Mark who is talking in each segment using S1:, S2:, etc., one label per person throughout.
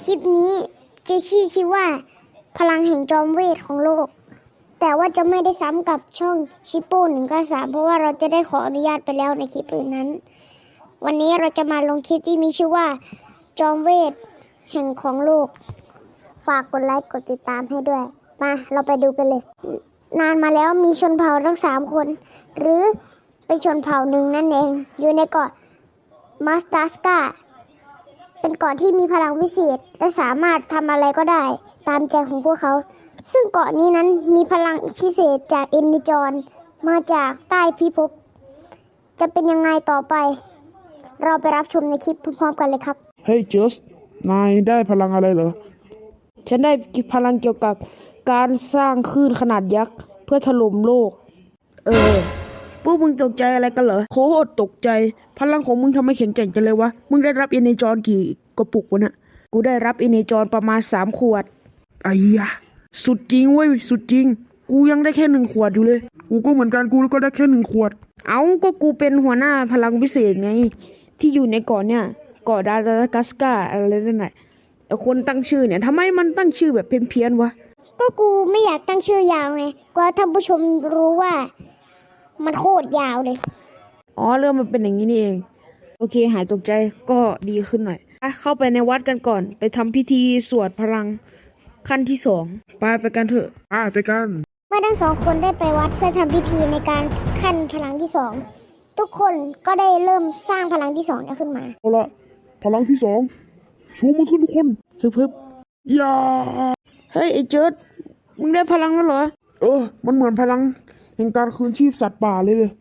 S1: คลิปนี้จะชื่อว่าพลังแห่งจอมเวทของโลกแต่ว่าจะไม่ได้ซ้ำกับช่องชิปโป้193เพราะว่าเราจะได้ขออนุญาตไปแล้วในคลิปอื่นนั้นวันนี้เราจะมาลงคลิปที่มีชื่อว่าจอมเวทแห่งของโลกฝากกดไลค์กดติดตามให้ด้วยมาเราไปดูกันเลยนานมาแล้วมีชนเผ่าทั้ง3คนหรือเป็นชนเผ่าหนึ่งนั่นเองอยู่ในเกาะมาสตาสกาเป็นเกาะที่มีพลังวิเศษและสามารถทำอะไรก็ได้ตามใจของพวกเขาซึ่งเกาะนี้นั้นมีพลังพิเศษจากเอนนิจรมาจากใต้พิภพจะเป็นยังไงต่อไปเราไปรับชมในคลิปพร้อมๆกันเลยครับ
S2: เฮ้ยเจสนายได้พลังอะไรเหรอฉันได้พลังเกี่ยวกับการสร้างคลื่นขนาดยักษ์เพื่อถล่มโลกพวกมึงตกใจอะไรกันเหรอโคตรตกใจพลังของมึงทำไมแข็งแกร่งจังเลยวะมึงได้รับเอเนจรกี่กระปุกวะเนี่ยกูได้รับเอเนจรประมาณ3 ขวดไอ้ยะสุดจริงเว้ยสุดจริงกูยังได้แค่1 ขวดอยู่เลยกูก็เหมือนกันกูก็ได้แค่1 ขวดก็กูเป็นหัวหน้าพลังพิเศษไงที่อยู่ในเกาะเนี่ยเกาะดารากัสกาอะไรนั่นแหละไอ้คนตั้งชื่อเนี่ยทำไมมันตั้งชื่อแบบเพี้ยนๆวะ
S1: ก็กูไม่อยากตั้งชื่อยาวไงกลัวท่านผู้ชมรู้ว่ามันโคตรยาวเลย
S2: เรื่องมันเป็นอย่างนี้นี่เองโอเคหายตกใจก็ดีขึ้นหน่อยเข้าไปในวัดกันก่อนไปทำพิธีสวดพลังขั้นที่2ไปกันเถอะไปกัน
S1: เมื่อทั้ง2 คนได้ไปวัดเพื่อทำพิธีในการขั้นพลังที่2ทุกคนก็ได้เริ่มสร้างพลังที่2นี้ขึ้นมา
S2: เอาละพลังที่2ชูมือขึ้นทุกคนฮึบอย่าเฮ้ยไอ้เจิดมึงได้พลังแล้วเหรอมันเหมือนพลังแห่งการคืนชีพสัตว์ป่าเลย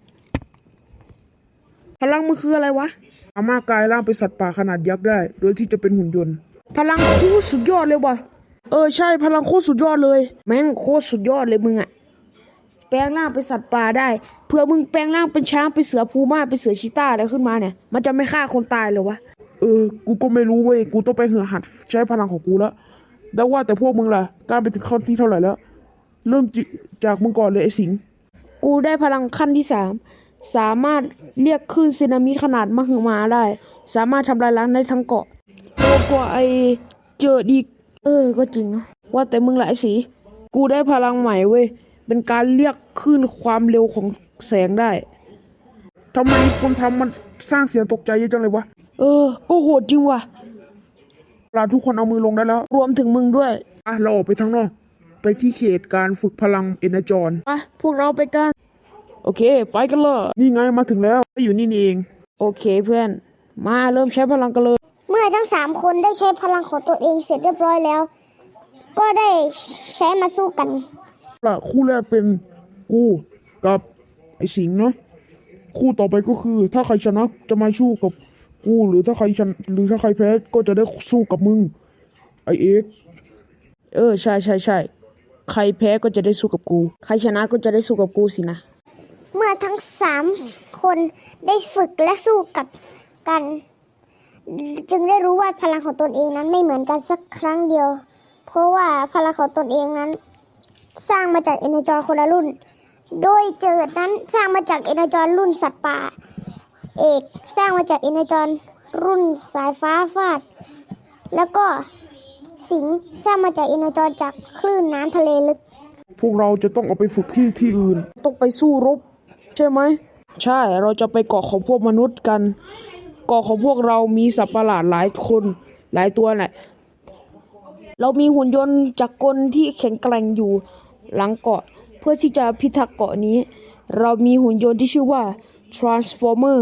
S2: พลังมันคืออะไรวะสามารถกลายร่างเป็นสัตว์ป่าขนาดยักษ์ได้โดยที่จะเป็นหุ่นยนต์พลังโคตรสุดยอดเลยว่ะใช่พลังโคตรสุดยอดเลยแม่งโคตรสุดยอดเลยมึงอะแปลงร่างเป็นสัตว์ป่าได้เพื่อมึงแปลงร่างเป็นช้างเป็นเสือพูม่าเป็นเสือชีต้าอะไรขึ้นมาเนี่ยมันจะไม่ฆ่าคนตายเลยวะกูก็ไม่รู้เว้ยกูต้องไปหัดใช้พลังของกูแล้วว่าแต่พวกมึงล่ะกล้าไปถึงขั้นที่เท่าไหร่แล้วเริ่มจากมึงก่อนเลยไอ้สิงกูได้พลังขั้นที่3สามารถเรียกคลื่นสึนามิขนาดมหึมาได้สามารถทำลายล้างได้ทั้งเกาะโตกว่าไอ้เจอดีก็จริงนะว่าแต่มึงล่ะไอ้สีกูได้พลังใหม่เว้ยเป็นการเรียกคลื่นความเร็วของแสงได้ทำไมคนทำมันสร้างเสียงตกใจเยอะจังเลยวะก็โหดจริงว่ะทุกคนเอามือลงได้แล้วรวมถึงมึงด้วยเราออกไปข้างนอกไปที่เขตการฝึกพลังเอเนจรพวกเราไปกันโอเคไปกันเลยนี่ไงมาถึงแล้วอยู่นี่เองโอเคเพื่อนมาเริ่มใช้พลังกันเลย
S1: เมื่อทั้ง3 คนได้ใช้พลังของตัวเองเสร็จเรียบร้อยแล้วก็ได้ใช้มาสู้กัน
S2: คู่แรกเป็นกูกับไอ้สิงห์เนาะคู่ต่อไปก็คือถ้าใครชนะจะมาสู้กับกูหรือถ้าใครชนะหรือถ้าใครแพ้ก็จะได้สู้กับมึงไอเอ็กใช่ใครแพ้ก็จะได้สู้กับกูใครชนะก็จะได้สู้กับกูสินะ
S1: เมื่อทั้ง3 คนได้ฝึกและสู้กับกันจึงได้รู้ว่าพลังของตนเองนั้นไม่เหมือนกันสักครั้งเดียวเพราะว่าพลังของตนเองนั้นสร้างมาจากเอเนจรคนละรุ่นโดยเจิดนั้นสร้างมาจากเอเนจรรุ่นสัตว์ป่าเอกสร้างมาจากเอเนจรรุ่นสายฟ้าฟาดแล้วก็สิงห์สร้างมาจากเอเนจรจากคลื่นน้ำทะเลลึก
S2: พวกเราจะต้องเอาไปฝึกที่อื่นต้องไปสู้รบใช่ไหมใช่เราจะไปเกาะของพวกมนุษย์กันเกาะของพวกเรามีสัตว์ประหลาดหลายคนหลายตัวแหละเรามีหุ่นยนต์จักรกลที่แข็งแกร่งอยู่หลังเกาะเพื่อที่จะพิทักษ์เกาะนี้เรามีหุ่นยนต์ที่ชื่อว่า Transformer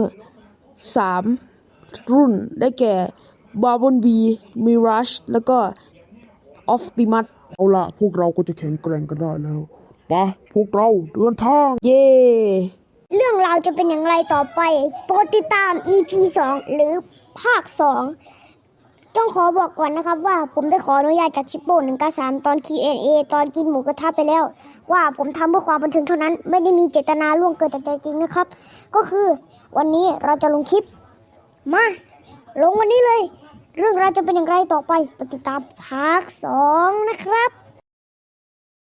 S2: 3 รุ่นได้แก่ Bumblebee Mirage แล้วก็ Optimus เอาล่ะพวกเราก็จะแข็งแกร่งกันได้แล้วไปพวกเราเดินทางเย่
S1: เรื่องราวจะเป็นอย่างไรต่อไปโปรดติดตาม EP 2 หรือภาค 2ต้องขอบอกก่อนนะครับว่าผมได้ขออนุญาตจากชิปโป้193ตอน Q&A ตอนกินหมูกระทะไปแล้วว่าผมทำเพื่อความบันเทิงเท่านั้นไม่ได้มีเจตนาล่วงเกินจากใจจริงนะครับก็คือวันนี้เราจะลงคลิปมาลงวันนี้เลยเรื่องราวจะเป็นอย่างไรต่อไปติดตามภาค 2นะครับ